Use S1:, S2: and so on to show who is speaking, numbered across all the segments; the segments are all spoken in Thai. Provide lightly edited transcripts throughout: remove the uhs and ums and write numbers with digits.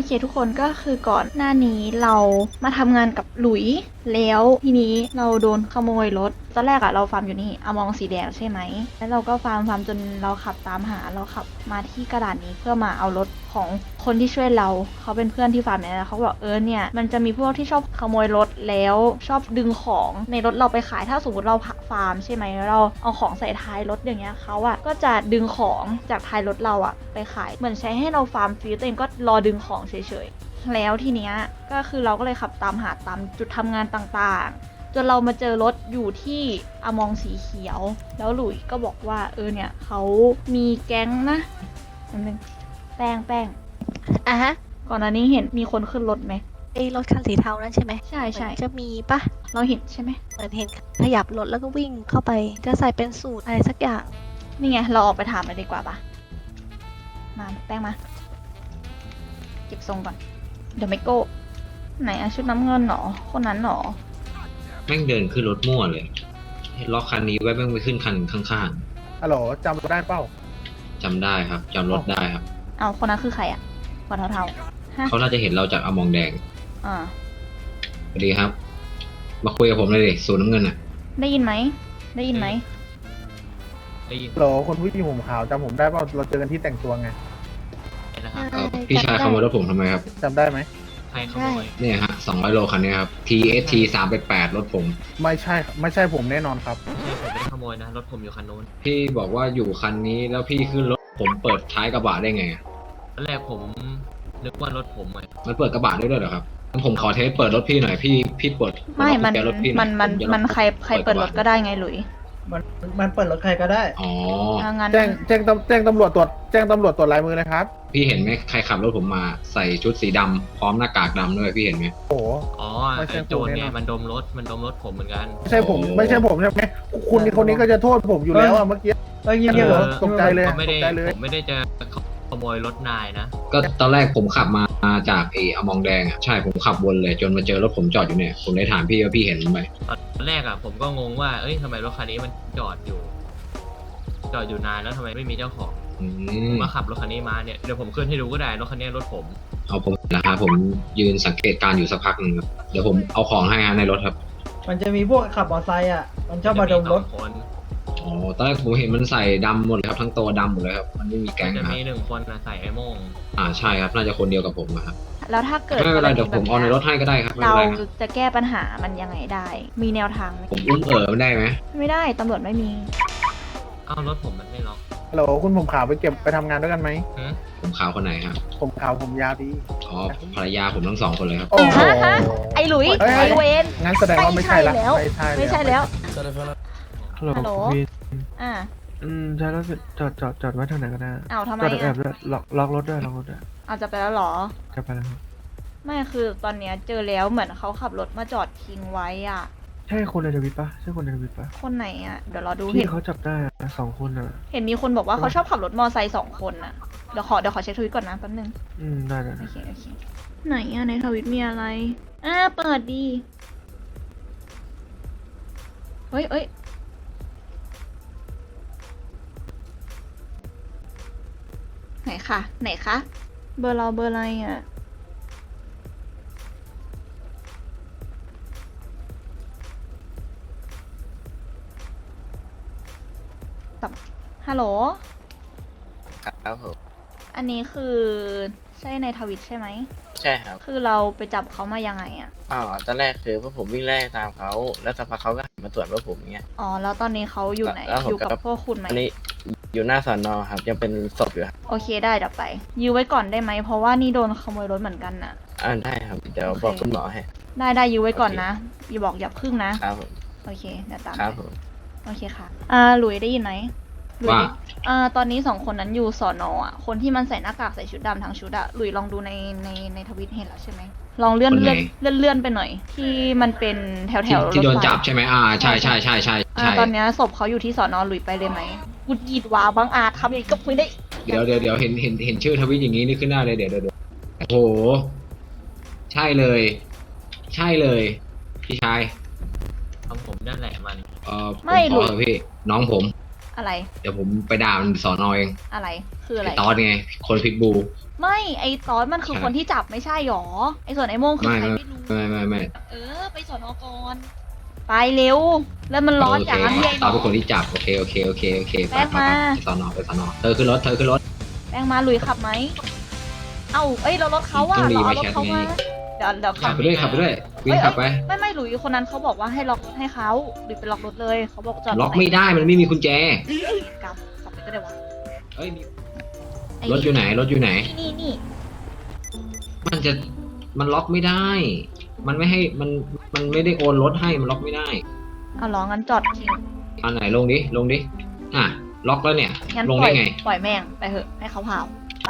S1: เคทุกคนก็คือก่อนหน้านี้เรามาทำงานกับหลุยแล้วทีนี้เราโดนขโมยรถตอนแรกอะเราฟาร์มอยู่นี่อมองสีแดงใช่ไหมแล้วเราก็ฟาร์มจนเราขับตามหาเราขับมาที่กระดานนี้เพื่อมาเอารถของคนที่ช่วยเราเขาเป็นเพื่อนที่ฟาร์มเนี่ยเขาบอกเนี่ยมันจะมีพวกที่ชอบขโมยรถแล้วชอบดึงของในรถเราไปขายถ้าสมมติเราฟาร์มใช่ไหมเราเอาของใส่ท้ายรถอย่างเงี้ยเขาอะก็จะดึงของจากท้ายรถเราอะไปขายเหมือนใช้ให้เราฟาร์มฟรีตัวเองก็รอดึงของเฉยๆแล้วทีเนี้ยก็คือเราก็เลยขับตามหาตามจุดทำงานต่างๆจนเรามาเจอรถอยู่ที่อมองสีเขียวแล้วหลุยก็บอกว่าเนี่ยเขามีแก๊งนะมันเป็นแป้ง
S2: อ่ะฮะ
S1: ก่อนหน้านี้เห็นมีคนขึ้นรถไหม
S2: ไอ้รถคันสีเทานั่นใช่ไหม
S1: ใช่
S2: เหมือนจะมีปะ
S1: เราเห็นใช่ไหม
S2: เหมือนเห็นขยับรถแล้วก็วิ่งเข้าไปจะใส่เป็นสูตรอะไรสักอย่าง
S1: นี่ไงเราออกไปถามเลยดีกว่าปะมาแป้งมาเก็บทรงก่อนเดี๋ยวไม่โก้ไหนอะชุดน้ำเงินหรอคนนั้นหรอ
S3: แม่งเดินขึ้นรถมั่วเลยล็อกคันนี้ไว้แม่งไปขึ้นคันข้าง
S4: ฮัลโหลจำได้เป้า
S3: ๆจำได้ครับจำรถได้ครับ
S1: เอาคนนั้นคือใครอะหัวเทาๆฮะ
S3: เขาน่าจะเห็นเราจากอมองแดง
S1: อ่า
S3: สวัสดีครับ มาคุยกับผมเลยดิสูนน้ำเงินอ่ะ
S1: ได้ยินไหมได้ยินไหม
S3: ได้ยิน
S4: ฮัลโหลคนผู้หญิงผมขาวจำผมได้เปล่าเราเจอกันที่แต่งตัวไง
S3: นะครับพี่ชายขโมยรถผมทำไมครับ
S4: จำได้ไหม
S3: ใครขโมยเนี่ยฮะ200 โลคันนี้ครับ TST 388รถผม
S4: ไม่ใช่ผมแน่นอนครับ
S5: ไม่ใช่ผมไม่ได้ขโมยนะรถผมอยู่คันนู้น
S3: พี่บอกว่าอยู่คันนี้แล้วพี่ขึ้นรถผมเปิดท้ายกระบะได้ไงอะ
S5: ตอนแรกผมนึกว่ารถผมไง
S3: มันเปิดกระบะได้ด้วยเหรอครับงั้นผมขอเทสเปิดรถพี่หน่อยพี่เปิด
S1: ไม่มัน
S3: กุญแจรถพี่หอย
S1: มันใครเปิดรถก็ได้ไงหลุย
S6: มันเปิดรถใครก็ได้
S3: อ๋อ
S1: งั้น
S4: แจ้งตำรวจตรวจลายมือเลยครับ
S3: พี่เห็นไหมใครขับรถผมมาใส่ชุดสีดำพร้อมหน้ากากดำด้วยพี่เห็นไหม
S4: โอ้โห
S5: อ๋อ
S4: ไม่ใช่
S5: ไอ้โจร
S4: ผมแน่
S5: ไง
S4: นอน
S5: มันดมรถผมเหมือนกัน
S4: ไม่ใช่ผมใช่ไหมคนนี้ก็จะโทษผมอยู่แล้วอะเมื่อกี้
S6: เงียบ
S4: เอ
S6: ๆเหร
S4: อ
S6: อ
S4: ตกใจเลย
S5: ผมไม่ได้
S4: ตกใจเลย
S5: ผมไม่ได้จะขโมยรถนายนะ
S3: ก็ตอนแรกผมขับมาจากอมองแดงอ่ะใช่ผมขับวนเลยจนมาเจอรถผมจอดอยู่เนี่ยผมเลยถามพี่ว่าพี่เห็นไหม
S5: ตอนแรกอ่ะผมก็งงว่าเอ้ยทำไมรถคันนี้มันจอดอยู่นานแล้วทำไมไม่มีเจ้าของ
S3: อื
S5: ผม มก็ขับรถคันนี้มาเนี่ยเดี๋ยวผมขึ้นให้ดูก็ได้รถคันนี้รถผม
S3: เอาผมนะครับผมยืนสังเกตการณ์อยู่สักพักหนึ่งครับเดี๋ยวผมเอาของให้ฮะในรถครับ
S6: มันจะมีพวกขับมอเตอร์ไซค์อ่ะ มันชอบมาดมรถ
S5: จะสองคน
S3: อ๋อตอนแรกผมเห็นมันใส่ดำหมดเลยครับทั้งตัวดำหมดเลยครับมันไม่มีแก๊ง
S5: จะ
S3: นะครับ
S5: มี1 คนนะใส่ไอ้โม่ง
S3: ใช่ครับน่าจะคนเดียวกับผมอะครับ
S1: แล้วถ้าเกิด
S3: ไม่เป็นไรเดี๋ยวผมเอาในรถให้ก็ได้ครับไม่
S1: เรา
S3: เป็นไรครับ
S1: จะแก้ปัญหามันยังไงได้ มีแนวทางไหม
S3: ผมอุ้มมันได้ไหม
S1: ไม่ได้ตำรวจไม่มี
S5: เอ้ารถผมมันไม่ล็อก
S4: ฮัลโหลคุณผมขาวไปทำงานด้วยกันไหม
S5: หืม
S3: ผมขาวคนไหนครับ
S4: ผมขาวผมยาวดี
S3: อ๋อภรรยาผมทั้งสองคนเลยครับ
S4: โอ้โห
S1: ฮะ ไอ้หลุย
S4: เอ้ย
S1: ไอ้เวน
S4: งั้นแสดงว่าไม่ใช่ละ
S1: ไม่ใช่แล้ว
S7: ฮัลโหล
S1: ฮัลโหล
S7: พี่
S1: อ่า
S7: ใช่แล้วจอดไว้ทางไหนก็ได้
S1: เอาทำไม
S7: จอดแอ
S1: อ่ะ
S7: บด้วยล็อกรถด้วยล็อกรถด้วย
S1: เอาจะไปแล้วเหรอ
S7: จะไปแล้วครับ
S1: ไม่คือตอนเนี้ยเจอแล้วเหมือนเขาขับรถมาจอดทิ้งไว้อ่ะ
S7: ใช่คนในทวิตปะใช่คนในทวิตปะ
S1: คนไหนอ่ะ เดี๋ยวเราดู
S7: ที่
S1: เห็น
S7: เขาจับได้อะ2 คนอ่ะ
S1: เห็นมีคนบอกว่าเขาชอบขับรถมอไซค์2 คนอ่ะ เดี๋ยวขอเช็คทวิตก่อนนะแป๊บนึง
S7: ได้
S1: โอเค ไหนอ่ะในทวิตมีอะไร เปิดดีเอ้ย ไหนคะ เบอร์เราเบอร์อะไรอ่ะ ฮัลโหล
S8: ครับผม
S1: อันนี้คือใช่ในทวิตใช่ไหม
S8: ใช่ครับ
S1: คือเราไปจับเขามายังไงอ่ะ
S8: ตอนแรกคือพวกผมวิ่งไล่ตามเขาแล้วสักพักเขาก็หันมาตรวจว่าผมเงี้ย
S1: อ๋อ แล้วตอนนี้เขาอยู่ไหน
S8: แล้วผม
S1: อยู่กับ
S8: ก็
S1: พวกคุณไหม
S8: อันนี้อยู่หน้าสอนอครับยังเป็นศพอยู่ครับ
S1: โอเคได้เดี๋ยวไป ยื้อไว้ก่อนได้ไหม เพราะว่านี่โดนขโมยรถเหมือนกันน่ะ
S8: ได้ครับเดี๋ยว
S1: โอเค
S8: บอกคุณหมอให้
S1: ได้ยื้อไว้ก่อนนะ อย่าบอกอย่าพึ่งนะ
S8: ครับผม
S1: โอเคเดี๋ยวตาม
S8: ครับ
S1: ไป
S8: ผม
S1: โอเคค่ะ หลุยได้ยินไหมหลุย
S3: ว่า
S1: ตอนนี้2 คนนั้นอยู่สอนอ่ะ คนที่มันใส่หน้ากากใส่ชุดดำทั้งชุดอะหลุยลองดูในทวิตเห็นแล้วใช่ไหม ลองเลื่อน
S3: คนไหน
S1: เลื่อนไปหน่อย ที่มันเป็นแถว
S3: ที่โดน
S1: รถไฟ
S3: จับใช่ไหมใช่
S1: ตอนเนี้ยศพเขาอยู่ที่สอนอหลุยไปเลยไหมกุดยีดวาบางอาจทำอย่างนี้ก็ไม่ได้
S3: เดี๋ยวเห็นชื่อทวิตอย่างนี้นี่ขึ้นหน้าเลยเดี๋ยวโอ้โหใช่เลย ใช่เลยพี่ชาย
S5: ของผมนั่นแหละมัน
S3: ผมขอเถอะพี่น้องผม
S1: ออะไร
S3: เดี๋ยวผมไปด่ามันสอนอเอง
S1: อะไรคืออะไร
S3: ไอ้ตอนไง คนพิทบู
S1: ไม่ไอตอนมันคือ
S3: ใช่
S1: คนที่จับไม่ใช่หรอไอส่วนไอโม่งคือ
S3: ไม่
S1: ใครไม่รู้
S3: ไม่
S1: ไปสอนอก่อนไปเร็ว แล้วมันร้อน
S3: โอเค
S1: จังพี่ไอ้
S3: ตอน
S1: น้
S3: เป็นคน
S1: อง
S3: ที่จับโอเคไป
S1: แป้งมา
S3: ไปสอนอไปสอนอเธอขึ้นรถ
S1: แป้งมาลุยขับไหมเอ้าเอ้ยเรารถเขาว่า
S3: ต้องรี
S1: เราเอา
S3: ไป
S1: รถ
S3: แชท
S1: เขา
S3: ไง
S1: มาเดี๋ยว
S3: ขั
S1: ขั
S3: บบ ไปด้วยวิ่งขับไป
S1: ไม่หลุยคนนั้นเขาบอกว่าให้ล็อกให้เขาหรือไปล็อกรถเลยเขาบอกจอด
S3: ล็อกไม่ได้มันไม่มีกุญแจ
S1: กลับไปก็ได้วะ
S3: เอ้ยมี
S1: ไอ้
S3: รถอยู่ไหน
S1: นี่
S3: มันล็อกไม่ได้ มันไม่ให้มันไม่ได้โอนรถให้มันล็อกไม่ได้
S1: เอาล้องั้นจอดทิ้ง
S3: อันไหนลงดิอ่ะล็อกแล้วเนี่ย
S1: งั้น
S3: ลง
S1: ปล่
S3: ได้
S1: อย
S3: ไง
S1: ปล่อยแม่งไปเถอะให้เขาเผาไป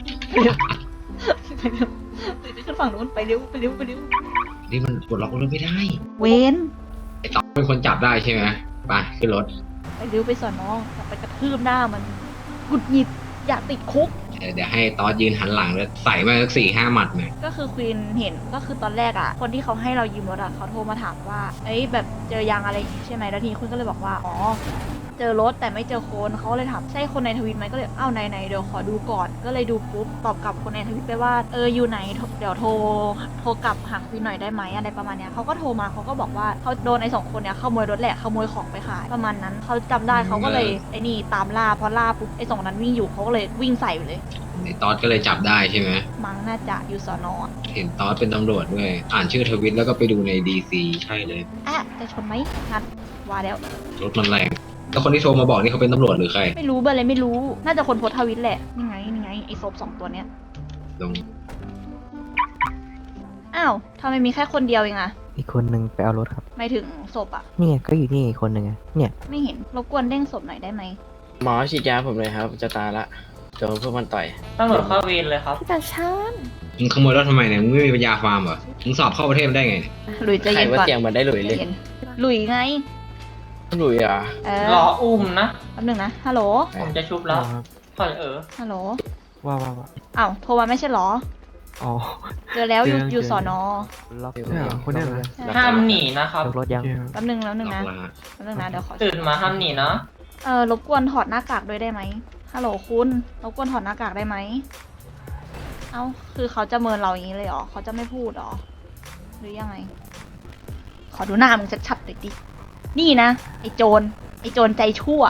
S1: ขึ้นฝั่งนู้นไปเร็ว
S3: นี่มันกดล็อกรถไม่ได้
S1: เว้น
S3: ไอ้ตอนเป็นคนจับได้ใช่ไหมไปขึ้นรถ
S1: ไปเร็วไปสอนน้องไปกระทืบหน้ามันหงุดหงิดอยากติดคุก
S3: เดี๋ยวให้ตอนยืนหันหลังแล้วใส่มาสัก4-5 หมัดหน่อย
S1: ก็คือควีนเห็นก็คือตอนแรกอ่ะ คนที่เขาให้เรายืมรถอ่ะเขาโทรมาถามว่าเอ้ยแบบเจอยางอะไรอย่างงี้ใช่ไหมแล้วทีนี้คุณก็เลยบอกว่าอ๋อเจอรถแต่ไม่เจอคนเขาเลยถามใช่คนในทวิตไหมก็เลยอ้าวไหนเดี๋ยวขอดูก่อน ก็เลยดูปุ๊บตอบกลับคนในทวิตไปว่าอยู่ไหนเดี๋ยวโทรกลับหาควีนหน่อยได้ไหมอะไรประมาณเนี้ยเขาก็โทรมาเขาก็บอกว่าเขาโดนไอ้2 คนเนี้ยขโมยรถแหละขโมยของไปขายประมาณนั้นเขาจำได้เขาก็เลยไอ้นี่ตามล่าพอล่าปุ๊บไอ้2 นั้นวิ่งอยู่เขาก็เลยวิ่งใส่ไปเลย
S3: ไอ้ตอนก็เลยจับได้ใช่ไหม
S1: มั้งน่าจะอยู่สอนอ
S3: เห็นตอนเป็นตำรวจด้วยอ่านชื่อทวิตแล้วก็ไปดูในDC ใช่เลย
S1: จะชนไหมงัดว่าแล้ว
S3: รถมันแรงแล้วคนที่โทรมาบอกนี่เขาเป็นตำรวจหรือใคร
S1: ไม่รู้เบอร์อะไรไม่รู้ น่าจะคนโพสต์ทวิตแหละ นี่ไง ไอ้ศพ2 ตัวเนี้ย
S3: ลง
S1: อ้าวทำไมมีแค่คนเดียวเองอะ
S9: อีกคนนึงไปเอารถครับ
S1: ไม่ถึงศพอะ
S9: นี่ไงก็อยู่นี่อีกคนนึงไงเนี่ย
S1: ไม่เห็น รบกวนเด้งศพหน่อยได้ไหม
S8: หมอฉีดยาผมเลยครับ จะตายละโดนพวกมันต่อย
S6: ตำรวจเข้าเวรเลยครับ
S2: พี่ตาชาน
S3: มึงขโมยรถทำไมเนี่ยมึงไม่มีปัญญาฟาร์มเหรอมึงสอบเข้าประเทศมาได้ไงเนี่ย
S1: หลุยใจ
S8: ใคร
S1: เย็น
S8: ว่า
S1: ก่อน
S8: เตียงมันได้หลุยเลย
S1: ใจเย็นหลุยไง
S8: หลุยอ่ะ
S6: รออุ้มนะ
S1: แป๊บหนึงนะ ฮัลโหล
S6: ผมจะชุบแล้ว
S7: ครับ
S6: ถอย
S1: ฮัลโหล
S7: ว่า
S1: อ้าวโทรมาไม่ใช่เหรอ
S7: อ๋อ
S1: เจอแล้วอยู่
S7: เจอ
S1: อยู่สอนอ
S9: ล็อก
S7: เนี่ยเหรอคนเนี้ยเหรอ
S6: ห้ามหนีนะครับ
S9: ล็อกรถยัง
S7: โอเคครับ
S1: แป๊บหนึงนะ
S3: ล็อกละ
S1: แป๊บหนึงนะ เดี๋ยวขอ
S6: ตื่นมาห้ามหนีนะ
S1: รบกวนถอดหน้ากากด้วยได้ไหมฮัลโหลคุณ รบกวนถอดหน้ากากได้ไหม เอ้า คือเขาจะเมินเราอย่างนี้เลยเหรอ เขาจะไม่พูดเหรอ หรือยังไง ขอดูหน้ามึงชัดๆหน่อยดิ นี่นะ ไอ้โจรใจชั่ว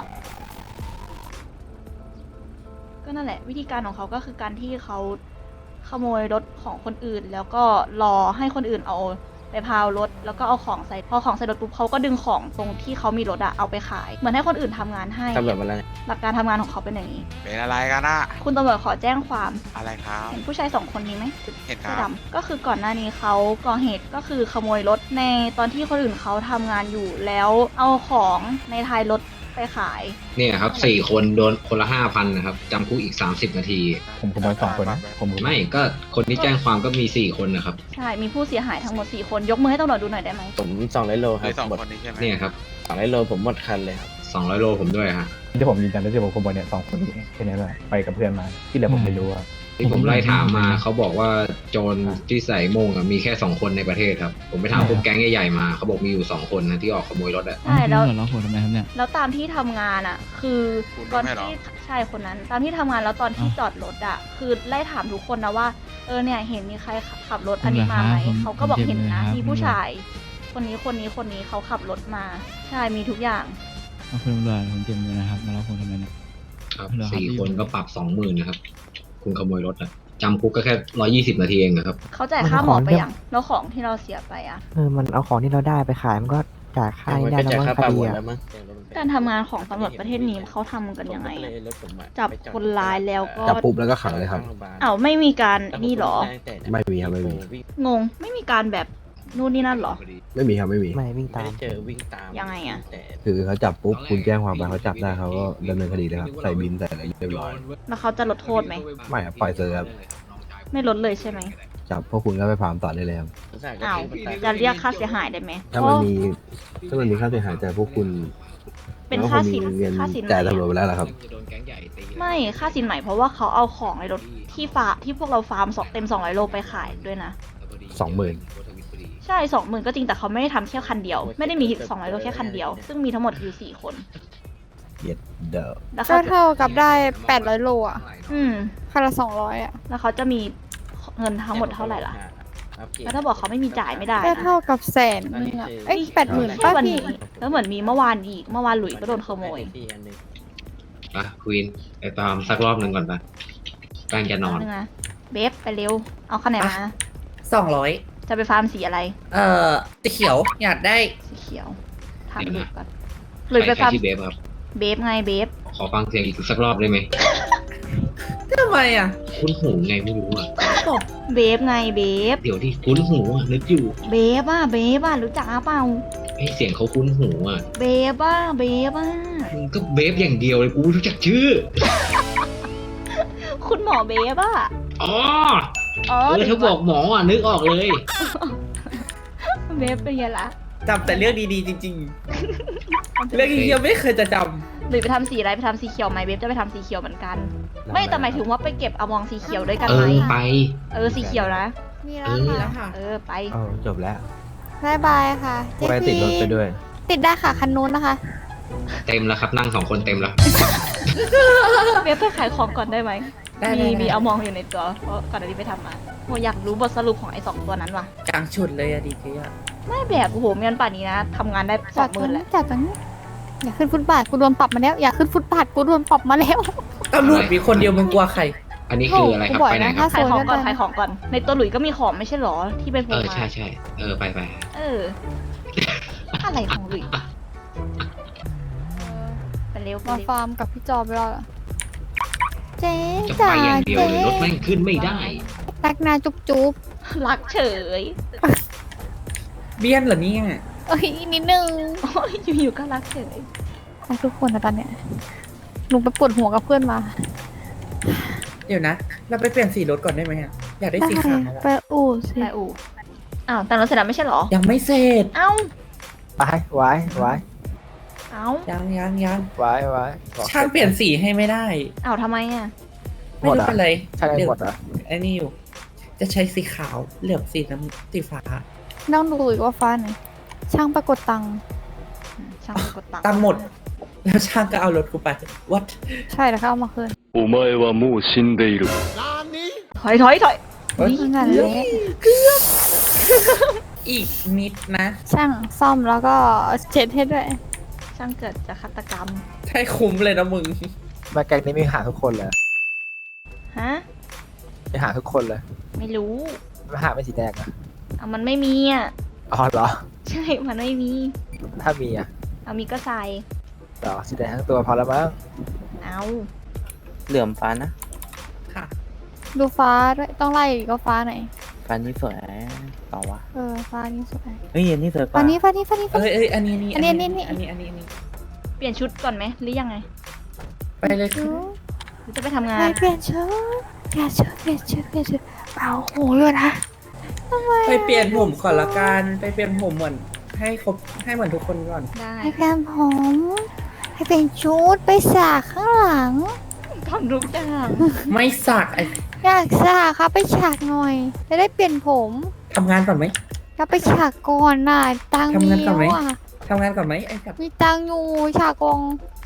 S1: ก็นั่นแหละ วิธีการของเขาก็คือการที่เขาขโมยรถของคนอื่น แล้วก็รอให้คนอื่นเอาไปพาวรถ แล้วก็เอาของใส่ พอของใส่รถปุ๊บเขาก็ดึงของตรงที่เขามีรถอะเอาไปขาย เหมือนให้คนอื่นทำงานให้
S8: ตำรวจมาแล้ว
S1: หลักการทำงานของเขาเป็นอย่างนี้
S10: เป็นอะไรกันอะ
S1: คุณตำรวจขอแจ้งความ
S10: อะไรครับ
S1: เห็นผู้ชาย2 คนนี้ไหม
S10: เห็นค
S1: เสื้อ
S10: รับ
S1: ดำก็คือก่อนหน้านี้เขาก่อเหตุก็คือขโมยรถในตอนที่คนอื่นเขาทำงานอยู่แล้วเอาของในท้ายรถไปขาย
S3: เนี่ยครับ4 คนโดนคนละ 5,000นะครับจำคุกอีก30 นาที
S4: ผมขโมย2 คนนะผม
S3: ไม่ก็คนที่แจ้งความก็มี4 คนนะครับ
S1: ใช่ มีผู้เสียหายทั้งหมด4 คนยกมือให้ตำรวจดูหน่อยได้ไหม
S8: ผม200 โลครั
S10: คื
S8: บ
S10: อสอง
S8: หมด
S10: คนนี้ใช่ไหม
S3: เนี่ยครับ
S8: 200 โลผมหมดคันเลยครับ
S3: 200 โลผมด้วยฮะ
S4: ที่ผมยืนยันได้ที่ผมขโมยเนี่ย2 คนนี้แค่นี้แหละไปกับเพื่อนมา ที่เหลือผมไม่รู้อะ
S3: ที่ผมไล่ถามมาเขาบอกว่าโจรที่ใส่โม่งอะมีแค่ 2 คนในประเทศครับ ผมไปถามพวกแก๊งใหญ่ๆมาเขาบอกมีอยู่2 คนนะที่ออกขโมยรถอะ
S1: ใช่แล้ว
S9: ล็อกผมทำไมครับเนี่ย
S1: แล้วตามที่ทำงานอ่ะ คือตอนที่ใช่คนนั้น ตามที่ทำงานแล้วตอนที่จอดรถอ่ะ คือไล่ถามทุกคนนะว่าเนี่ยเห็นมีใครขับรถอันนี้มาไหมเขาก็บอกเห็นนะมีผู้ชาย คนนี้เขาขับรถมา ใช่มีทุกอย่าง
S9: คุณตำรวจผมเจ็บมือนะครับมาล็อกผมทำไมเนี่ย
S3: ครับ4 คนก็ปรับ 20,000นะครับ คุณขโมยรถอะจำคุกก็แค่120 นาทีเองนะครับ
S1: เขาจ่ายค่าหมอไปยังแล้วของที่เราเสียไปอ่ะ
S9: มันเอาของที่เราได้ไปขายมันก็จ่ายค่า
S8: มัน
S9: ได้
S8: ก็
S9: แล้ว
S8: จะ
S9: มั้ง
S8: ค่า
S9: ค
S8: ปรับ
S9: ดี
S8: หมด
S9: อะ
S8: แล้วมั้ง
S1: การทำงานของตำรวจประเทศนี้เขาทำกันยังไง
S8: ผมก็
S1: อะ
S8: เลยรถผมอะ
S1: จับคนร้ายแล้วก็
S11: จับปุ๊บแล้วก็ขังเลยครับ
S1: ไม่มีการนี่หรอ
S11: ไม่มีครับไม่มี
S1: งง ไม่มีการแบบนู่นนี่นั่นหรอ
S11: ไม่มีครับไม่มี
S9: ไม่วิ่ง
S8: ไม่
S9: ตาม
S8: ได้เจอวิ่งตาม
S1: ยังไงอะ
S8: แต่
S11: คือเขาจับปุ๊บคุณแจ้งความไปเขาจับได้เขาก็ดำเนินคดีเลยครับใส่บินใส่อะไรเรียบร้อย
S1: แล้วเขาจะลดโทษไหม
S11: ไม่ครับปล่อยเซอร์ครับ
S1: ไม่ลดเลยใช่ไหม
S11: จับพวกคุณก็ไปฟาร์มต่อได้เลยครับ
S1: อ้าวจะเรียกค่าเสียหายได้ไหม
S11: ถ้ามันมีค่าเสียหายจากพวกคุณ
S1: เป็นค่าสิน
S11: ก็งมีเงิน
S1: ค่าสิน
S11: จ่าย
S1: ไหม
S11: ตำรวจไปแล้วล่ะครับ
S1: ไม่ค่าสินใหม่เพราะว่าเขาเอาของในรถที่พวกเราฟาร์มเต็ม200 โลไปขายด้วยนะ
S11: 20,000
S1: ใช่ 20,000 ก็จริงแต่เขาไม่ได้ทำแค่คันเดียว ไม่ได้มี200 โลแค่คันเดียว ซึ่งมีทั้งหมดอยู่4 คน
S11: เย็ดเดอ
S1: แล้ว
S2: ก็
S1: เขา
S2: เท่ากับได้800โลอ่ะ
S1: อืม
S2: คันละ200อ่ะ
S1: แล้วเขาจะมีเงินทั้งหมดเท่าไหร่ล่ะ แล้วถ้าบอกเขาไม่มีจ่ายไม่ได้
S2: ก็
S1: นะ
S2: เท่ากับแสนนึงอ่ะเอ้ย80,000
S1: แค่
S2: ป้า
S1: วัน
S2: พี่
S1: นี้แล้วเหมือนมีเมื่อวานอีก เมื่อวานหลุยส์ก็โดนขโมย
S3: อ่ะควีนไปตามสักรอบหนึ่งก่อนปะแป้งจะนอน
S1: นึงนะเบฟไปเร็ว เอาคะแนนมา
S6: 200
S1: จะไปฟาร์มสีอะไร
S6: สีเขียวอยากได้
S1: สีเขียวถามหลุยส์ก่อนหลุยส์ไป
S3: ใคร
S1: ฟาร์ม
S3: ที่เบฟครับ
S1: เบฟไงเบฟ
S3: ขอฟังเสียงอีกสักรอบได้ไหม
S6: ทำไมอ่ะ
S3: คุ้นหูไงไม่รู้อ่ะ
S1: เบฟไงเบฟ
S3: เดี๋ยวที่คุ้นหูอ่ะนึกอยู่
S1: เบฟอ่ะรู้จักเปล่า
S3: ไอเสียงเขาคุ้นหูอ่ะ
S1: เบฟอ่ะ
S3: มึงก็เบฟอย่างเดียวเลยกูไม่รู้จักชื่อ
S1: คุณหมอเบฟอ่ะ
S3: อ๋อ
S1: อ๋อ
S3: ถ้าบอกหมออ่ะนึกออกเลย
S1: เบฟเป็นไงล่ะ
S6: จำแต่เรื่องดีๆจริงๆ เรื่องเยี่ยมไม่เคยจะจ
S1: หรือไปทำสีอะไรไปทำสีเขียวไหมเบฟจะไปทำสีเขียวเหมือนกัน ไม่แต่หมายถึงว่าไปเก็บอมองสีเขียวด้วยกัน
S3: เอ
S1: ไหม
S3: อไป
S1: สีเขียวนะ
S2: มี
S3: เอ
S2: แล้ว
S3: อ
S2: ค่ะ
S1: ไป
S11: จบแล้ว
S2: บายบายค่ะเจ๊
S11: ไปติดรถไปด้วย
S2: ติดได้ค่ะคันนู้นนะคะ
S3: เต็มแล้วครับนั่ง2 คนเต็มแล้ว
S1: เบฟไปขายของก่อนได้ไหม
S6: ำได้
S1: มีอมองอยู่ในตัวเพราะก่อนหน้านี้ไปทำมาโหอยากรู้บทสรุปของไอ้2 ตัวนั้นว่ะ
S6: กลางชุดเลยอะดีเจอะ
S1: ไม่แบบโอ้โหเมียนป่านนี้นะทำงานได้
S2: จอดตรง
S1: 20,000แห
S2: นี้
S1: ละ
S2: จอดตรงนี้อย่าขึ้นฟุตบาทกูโดนปรับมาแล้ว อย่าขึ้นฟุตบาทกูโดนปรับมาแล้ว
S6: ตำรวจมีคนเดียวมึงกลัวใคร
S3: อันนี้คืออะไรครับ
S2: โอ้โห
S3: ไปไหนครับ
S2: ถ้า
S1: ขายของก่อน
S2: โซนก็ได้
S1: ขายของก่อน ในตัวหลุยก็มีของไม่ใช่หรอที่เป็นโพ
S3: เออ
S1: มา
S3: ใช่ใช่ไป
S1: เออ อะไรของหลุยไปเร็วไป
S2: มา
S1: เร็ว
S2: ฟาร์มกับพี่จอมไปแล้วเหรอเจ๊
S3: จะ
S2: จ๋า
S3: ไปอย่างเดียว
S2: เจ๊
S3: เลยรถแม่งขึ้นไม่ได้
S2: รักนาจุ๊บจุ๊บ
S1: รักเฉย
S6: เบี้ยนเหรอเนี่ย
S2: เอ้ยนิดนึง
S1: โอ้ยอยู่ๆก็รักเฉย
S2: รักทุกคนนะตอนเนี้ยหนูไปปวดหัวกับเพื่อนมา
S6: เดี๋ยวนะ เราไปเปลี่ยนสีรถก่อนได้ไหมอะอยากได้สีขาวอะ
S2: ไปอู่สิ
S1: ไปอู่อ้าวแต่งรถเสร็จแล้วไม่ใช่หรอ
S6: ยังไม่เสร็จ
S1: เอ้า
S11: ไปไว้
S1: เอ้า
S6: ยัง
S11: ไว้
S6: ช่างเปลี่ยนสีให้ไม่ได้
S1: เอ้าทำไมอ่ะ
S6: ไม่รู้เป็นไร
S11: ใช่
S6: เดี๋ยว
S11: หมดอ่ะ
S6: ไอ้นี่อยู่ จะใช้สีขาวเหลือบสีน้ำสีฟ้า
S2: น้องดูอีกว่าฟ้าไหนช่างปรากฏตังค์
S1: ช่างไปกดตังค์
S6: ตังค์หมด แล้วช่างก็เอารถกูไป วัด
S2: ใช่แล้วเขาเอามาคืน
S10: お前はもう死んでいる。
S1: ถอย
S2: นั่นแหละ
S6: อีกนิดนะ
S2: ช่างซ่อมแล้วก็เช็ดให้ด้วย
S1: ช่างเกิดจากฆาตกรรม
S6: ใช่คุ้มเลยนะมึง
S11: มาแกงนี้มีหาทุกคนเลย
S1: ฮะ
S11: มีหาทุกคนเลย
S1: ไม่รู้
S11: ไม่หาไม่สีแดงอ่ะ
S1: เอามันไม่มีอ่ะ
S11: อ๋อเหรอ
S1: ใช่ มันไม่มี
S11: ถ้ามีอ่ะ
S1: เอามีก็ใส่
S11: เหรอสีแดงทั้งตัวพอแล้วมั้ง
S1: เอา
S8: เหลื่อมฟ้านะ
S6: ค่ะ
S2: ดูฟ้าด้วยต้องไล่อีกว่าฟ้าไหน
S8: ฟ้านี้สวยเปล่าวะ
S2: ฟ้านี้สวย
S8: เฮ้ยอันนี้สวยก
S2: ฟ้า
S8: ว่า
S2: นี้ฟ้านี้ฟ้านี้ฟ้า
S6: เอ้
S2: นี้
S6: ยอันนี้
S2: อันนี้
S6: อันนี้
S1: เปลี่ยนชุดก่อนไหมหรือยังไง
S6: ไปเลยค่ะ
S1: หรือจะไปทำงาน
S2: เปลี่ยนชุดเปลี่ยนชุดเอาหูเลยนะทำไม
S6: ไปเปลี่ยนผมก่อนละกัน ไปเปลี่ยนผมเหมือนให้ครบให้เหมือนทุกคนก่อน
S1: ได้
S2: ให้เปลี่ยนผมให้เปลี่ยนชุดไปสากข้างหลัง
S1: ทำทุกอย่าง
S6: ไม่สักไอ
S2: อยากสากครับไปฉากหน่อยจะได้เปลี่ยนผม
S6: ทำงานก่อนไหม
S2: ก็ไปฉากก่อนน่ะตังค์
S6: ทำ
S2: มี
S6: งานก่อนไหม
S2: แล้วอ่ะ
S6: ทำงานก่อนไหมไอ้สัตว์
S2: มีตังค์อยู่ฉากกอง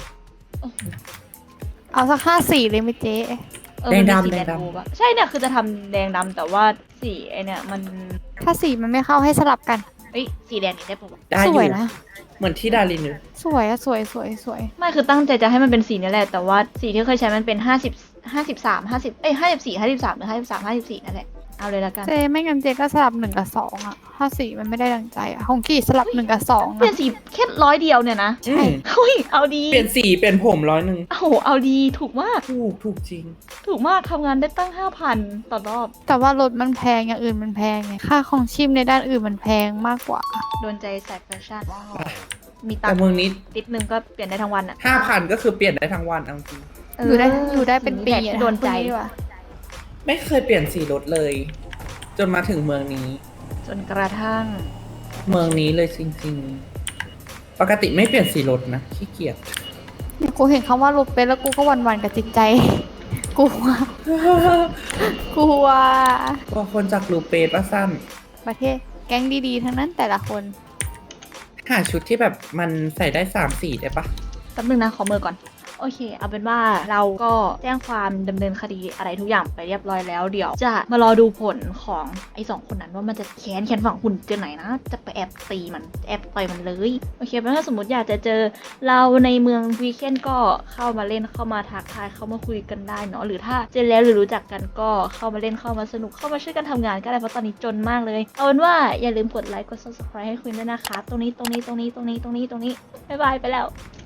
S2: เอาสัก54เลยไหมเจ๊
S1: มันมีสีแดงบูปะใช่เนี่ยคือจะทำแดงดำแต่ว่าสีไอเนี่ยมัน
S2: ถ้าสีมันไม่เข้าให้สลับกัน
S1: เอ้ยสีแดงนี่ได้ปะวะ
S6: ได้
S2: ส
S6: อ
S2: วย
S6: ยู่
S2: นะ
S6: เหมือนที่ดารินอยู่
S2: สวยอะสวย
S1: ไม่คือตั้งใจจะให้มันเป็นสีนี่แหละแต่ว่าสีที่เคยใช้มันเป็น53 50เอ้ย54 53หรือ53 54นั่นแหละเอาเลยละกัน
S2: เจ๊ไม่งั้นเจ๊ก็สลับ1 กับ 2อะถ้าสีมันไม่ได้ดังใจอะของกี่สลับ1 กับ 2
S1: เปลี่ยน
S2: นะ
S1: สีแค่100เดียวเนี่ยนะ
S6: อืม
S1: เฮ้ยเอาดี
S6: เปลี่ยนสีเปลี่ยนผม100
S1: โอ้โหเอาดีถูกมาก
S6: ถูกจริง
S1: ถูกมากทำงานได้ตั้ง 5,000 ต่อรอบ
S2: แต่ว่ารถมันแพงอย่างอื่นมันแพงไงค่าของชีพในด้านอื่นมันแพงมากกว่า
S1: โดนใจสายแฟชั่นมีตั
S6: แต่
S1: งค์
S6: เมืองนี้
S1: ติดนึงก็เปลี่ยนได้ทั้งวันอ่ะ
S6: 5,000 ก็คือเปลี่ยนได้ทั้งวันเอาจริง
S2: อยู่ได้เป็นปี
S1: แหละ
S2: อะ
S1: ที่โดนใจ
S2: พูดีกว่า
S6: ไม่เคยเปลี่ยนสีรถเลย จนมาถึงเมืองนี้
S1: จนกระทั่ง
S6: เมืองนี้เลยจริงๆ ปกติไม่เปลี่ยนสีรถนะขี้เกียจ
S2: เนี่ยกูเห็นคำว่ารถเป็นแล้วกูก็หวันๆกับจิตใจ กลัว กลัว
S6: กว่าคนจากลูเปสว่าสั้น
S2: ประเทศแก๊งดีๆ ทั้งนั้นแต่ละคน
S6: หาชุดที่แบบมันใส่ได้3 สีได้ปะ
S1: แป๊บนึงนะขอมือก่อน โอเค เอาเป็นว่าเราก็แจ้งความดำเนินคดีอะไรทุกอย่างไปเรียบร้อยแล้ว เดี๋ยวจะมารอดูผลของไอ้2 คนนั้นว่ามันจะแค้นฝั่งคุณเจอไหนนะ จะไปแอบตีมันแอบต่อยมันเลย โอเคเพราะถ้าสมมติอยากจะเจอเราในเมืองวีเคนก็เข้ามาเล่นเข้ามาทักทายเข้ามาคุยกันได้เนาะหรือถ้าเจอแล้วหรือรู้จักกันก็เข้ามาเล่นเข้ามาสนุกเข้ามาช่วยกันทำงานก็ได้เพราะตอนนี้จนมากเลยเอาเป็นว่าอย่าลืมกดไลค์กด subscribe ให้คุณด้วยนะคะตรงนี้บ๊ายบายไปแล้ว